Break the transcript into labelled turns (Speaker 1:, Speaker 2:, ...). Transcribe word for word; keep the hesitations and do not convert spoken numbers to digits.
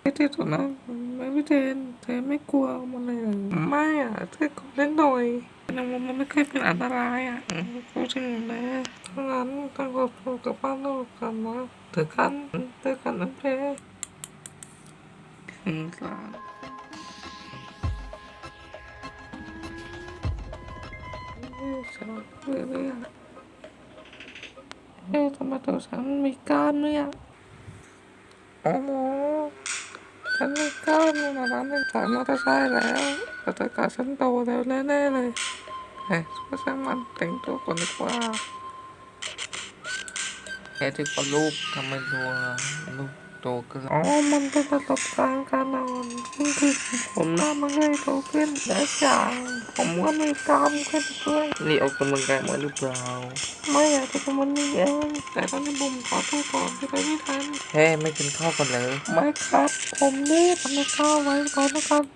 Speaker 1: ไม่ที่สุดนะไม่พี่เทนเธอไม่กลัวมันเลยเหรอไม่อ่ะเธอกดเล่นหน่อยแต่มันไม่เคยเป็นอันตรายอ่ะพูดถึงนะถ้างั้นต้องขอบคุณกับบ้านเรากันนะเธอกันเธอกันน้ำเพลถึงสารชอบเลยอ่ะเฮ้ยทำไมตัวฉันมีกล้ามเนี่ยโอ้โหฉันมีกล้ามในร้านหนึ่งสายมอเตอร์ไซค์แล้วแต่ถ้าเกิดฉันโตแล้วแน่ๆเลยเฮ้ยก็ช่างมันแต่งตัวก่อนดีกว่าแค่ที่ก็รูปทำไมตัวรูปโตขึ้นอ๋อมันเป็นประสบการณ์การนอนขึ้นคือผมหน้ามันเลยโตขึ้นและอย่างผมก็มีกล้ามขึ้นด้วยนี่ออกกำลังกายมาหรือเปล่าไม่อยากจะทำมันนี่เองแต่ตอนนี้บุมขอโทษก่อนที่ไปไม่ทันเฮ้ไม่กินข้าวกันเลยไม่ครับผมรีบทำข้าวไว้ก่อนนะครับ